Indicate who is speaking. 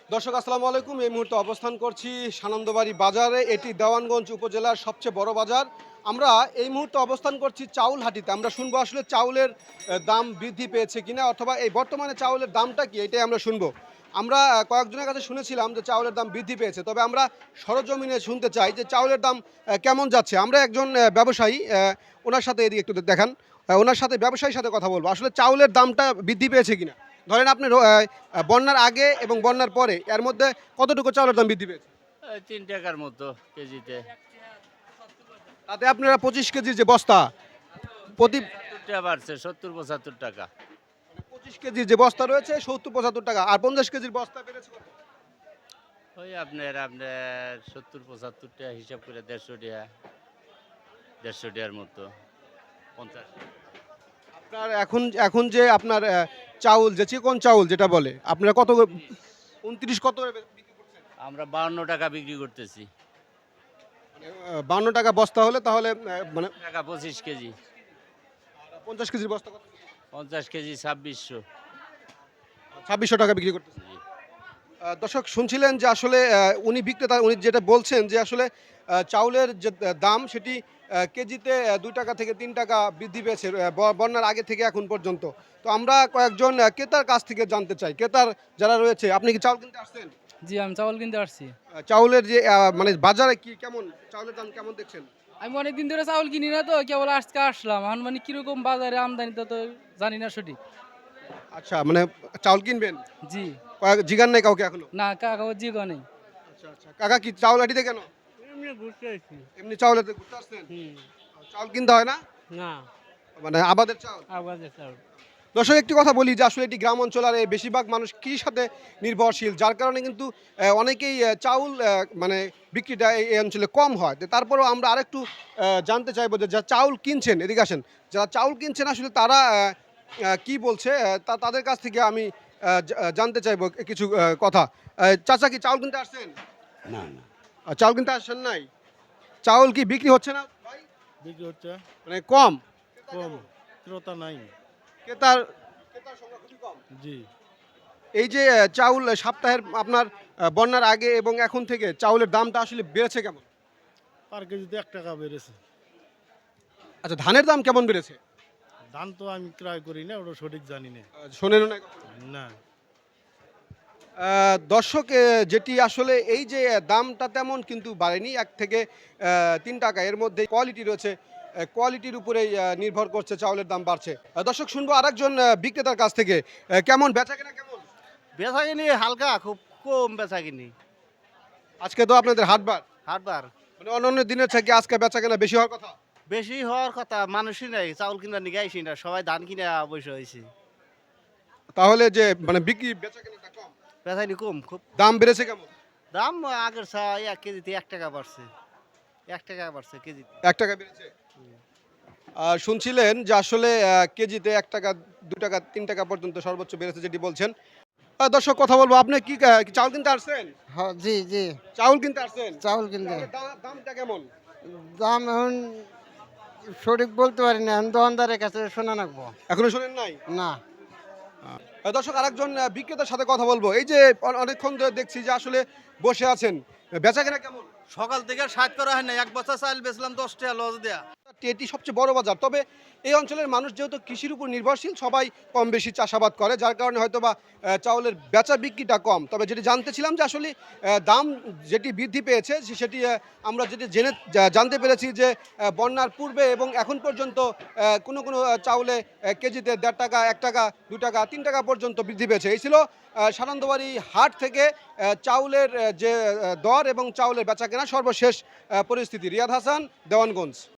Speaker 1: দর্শক আসসালামু আলাইকুম। এই মুহূর্তে অবস্থান করছি সানন্দবাড়ি বাজারে। এটি দেওয়ানগঞ্জ উপজেলার সবচেয়ে বড় বাজার। আমরা এই মুহূর্তে অবস্থান করছি চাউল হাটিতে। আমরা শুনবো আসলে চাউলের দাম বৃদ্ধি পেয়েছে কিনা, অথবা এই বর্তমানে চাউলের দামটা কি, এটাই আমরা শুনবো। আমরা কয়েকজনের কাছে শুনেছিলাম যে চাউলের দাম বৃদ্ধি পেয়েছে, তবে আমরা সরজমিনে শুনতে চাই যে চাউলের দাম কেমন যাচ্ছে। আমরা একজন ব্যবসায়ী, ওনার সাথে এদিকে একটু দেখান, ওনার সাথে ব্যবসায়ীর সাথে কথা বলবো আসলে চাউলের দামটা বৃদ্ধি পেয়েছে কিনা। ধরেন আপনি বন্যার আগে এবং বন্যার পরে এর মধ্যে কতটুকু চাউলের দাম বৃদ্ধি পেয়েছে?
Speaker 2: এই ৩ টাকার মতো কেজিতে।
Speaker 1: তাতে আপনারা 25 কেজির যে বস্তা, প্রতি
Speaker 2: টাকা বাড়ছে ৭০-৭৫ টাকা।
Speaker 1: 25 কেজির যে বস্তা রয়েছে 70-75 টাকা, আর 50 কেজির বস্তা বেড়েছে কত?
Speaker 2: ওই আপনার ৭০-৭৫ টাকা হিসাব করে ১৫০ টাকার মতো ৫০।
Speaker 1: আপনার এখন এখন যে আপনার চাউল, যে চিকন চাউল যেটা বলে, আপনারা কত 29 কত করে বিক্রি করছেন?
Speaker 2: আমরা ৫২ টাকা বিক্রি করতেছি।
Speaker 1: মানে 52 টাকা বস্তা হলে তাহলে মানে
Speaker 2: টাকা ২৫ কেজি।
Speaker 1: 50 কেজির বস্তা কত?
Speaker 2: ৫০ কেজি ২৬০০।
Speaker 1: 2600 টাকা বিক্রি করতেছে।
Speaker 2: জি।
Speaker 1: দর্শক শুনছিলেন যে আসলে উনি বিক্রেতা, উনি যেটা বলছেন যে আসলে চাউলের যে দাম সেটি কেজিতে ২ টাকা থেকে ৩ টাকা বৃদ্ধি পেয়েছে বন্যার আগে থেকে এখন পর্যন্ত। তো আমরা কয়েকজন ক্রেতার কাছ থেকে জানতে চাই, ক্রেতার যারা রয়েছে। আপনি কি চাউল কিনতে আসছেন?
Speaker 3: জি, আমি চাউল কিনতে আসছি।
Speaker 1: চাউলের যে মানে বাজারে কি কেমন চাউলের দাম কেমন দেখছেন?
Speaker 3: আমি অনেকদিন ধরে চাউল কিনি না, তো কেবল আজকে আসলাম। এখন মানে কিরকম বাজারে আমদানি তো জানি না সঠিক।
Speaker 1: আচ্ছা, মানে চাউল কিনবেন,
Speaker 3: জি,
Speaker 1: জিগান নাই কাউকে এখনো?
Speaker 3: না কাগজ জি নেই।
Speaker 1: আচ্ছা আচ্ছা, কাকা কি চাউল আটিতে কেন?
Speaker 3: এমনি ঘুরতে আসছি।
Speaker 1: এমনি চাউলেতে ঘুরতে আসছেন? চাউল কিনতে হয় না,
Speaker 3: না,
Speaker 1: মানে আবাদের চাউল?
Speaker 3: আবাদের চাউল।
Speaker 1: দর্শক একটি কথা বলি যে আসলে এটি গ্রাম অঞ্চল, আর বেশিরভাগ মানুষ কৃষির সাথে নির্ভরশীল, যার কারণে কিন্তু অনেকেই চাউল মানে বিক্রিটা এই অঞ্চলে কম হয়। তো তারপরেও আমরা আরেকটু জানতে চাইবো যে যারা চাউল কিনছেন, এদিকে আসেন, যারা চাউল কিনছেন আসলে তারা কি বলছে, তাদের কাছ থেকে আমি জানতে চাইবো কিছু কথা। চাচা কি চাউল কিনতে আসছেন?
Speaker 4: না না,
Speaker 1: চাউল কিনতে আসছেন নাই? চাউল কি বিক্রি হচ্ছে না ভাই?
Speaker 4: বিক্রি হচ্ছে
Speaker 1: মানে কম,
Speaker 4: কম, ক্রেতা নাই।
Speaker 1: ক্রেতার ক্রেতার সংখ্যা খুবই কম।
Speaker 4: জি,
Speaker 1: এই যে চাউল সপ্তাহের আপনার বন্যার আগে এবং এখন থেকে চাউলের দামটা আসলে বেড়েছে কেমন?
Speaker 4: পার কেজিতে ১ টাকা বেড়েছে।
Speaker 1: আচ্ছা, ধানের দাম কেমন বেড়েছে?
Speaker 4: ধান তো আমি ক্রয় করি না, ওটা সঠিক জানি না।
Speaker 1: শোনেন না
Speaker 4: না,
Speaker 1: দর্শক, যেটি আসলে এই যে দামটা তেমন কিন্তু বাড়েনি, 1 থেকে 3 টাকা এর মধ্যে কোয়ালিটি রয়েছে, কোয়ালিটির উপরেই নির্ভর করছে চাউলের দাম বাড়ছে। দর্শক শুনবো আরেকজন বিক্রেতার কাছ থেকে, কেমন বেচা কেনা কেমন?
Speaker 5: বেচা কিনি হালকা, খুব কম বেচা কিনি।
Speaker 1: আজকে তো আপনাদের হাটবার,
Speaker 5: হাটবার
Speaker 1: মানে অন্যান্য দিনের থেকে আজকে বেচা কেনা বেশি হওয়ার কথা।
Speaker 5: বেশি হওয়ার কথা, মানুষই নাই চাউল কিনা নিয়ে আইসি না, সবাই ধান কিনে বসে হয়েছে।
Speaker 1: তাহলে যে মানে বিক্রি বেচা কেনাটা কম,
Speaker 5: বেচা কিনি কম, খুব
Speaker 1: দাম বেড়েছে কেমন?
Speaker 5: দাম আগের চা 1 কেজিতে 1 টাকা বাড়ছে, 1 টাকা বাড়ছে কেজিতে।
Speaker 1: 1 টাকা বেড়েছে। শুনছিলেন যে আসলে কেজিতে 1 টাকা, 2 টাকা, 3 টাকা পর্যন্ত সর্বোচ্চ বেড়েছে যেটি বলছেন। দর্শক কথা বলবো, আপনি কি চাউল কিনতে আসছেন?
Speaker 6: হ্যাঁ, জি জি,
Speaker 1: চাউল কিনতে আসছেন?
Speaker 6: চাউল কিনতে।
Speaker 1: চাউলের দামটা কেমন?
Speaker 6: দাম এখন সঠিক বলতে পারি না, এখন দোকানদারের কাছে শোনা রাখবো।
Speaker 1: এখনো শোনেন নাই?
Speaker 6: না,
Speaker 1: দর্শক আরেকজন বিক্রেতার সাথে কথা বলবো। এই যে অনেকক্ষণ ধরে দেখছি যে আসলে বসে আছেন, বেচা কেনা কেমন?
Speaker 5: সকাল থেকে 60 করা হয় না, 1 বস্তা চাল বেচলাম 10 টাকা লস দেয়া।
Speaker 1: এটি সবচেয়ে বড় বাজার, তবে এই অঞ্চলের মানুষ যেহেতু কৃষির উপর নির্ভরশীল, সবাই কম বেশি চাষাবাদ করে, যার কারণে হয়তো বা চাউলের বেচা বিক্রিটা কম। তবে যেটি জানতেছিলাম যে আসলে দাম যেটি বৃদ্ধি পেয়েছে সেটি আমরা যেটি জানতে পেরেছি যে বন্যার পূর্বে এবং এখন পর্যন্ত কোনো কোনো চাউলে কেজিতে 1.5 টাকা, 1 টাকা, 2 টাকা, 3 টাকা পর্যন্ত বৃদ্ধি পেয়েছে। এই ছিল সানন্দবাড়ি হাট থেকে চাউলের যে দর এবং চাউলের বেচা কেনা সর্বশেষ পরিস্থিতি। রিয়াদ হাসান, দেওয়ানগঞ্জ।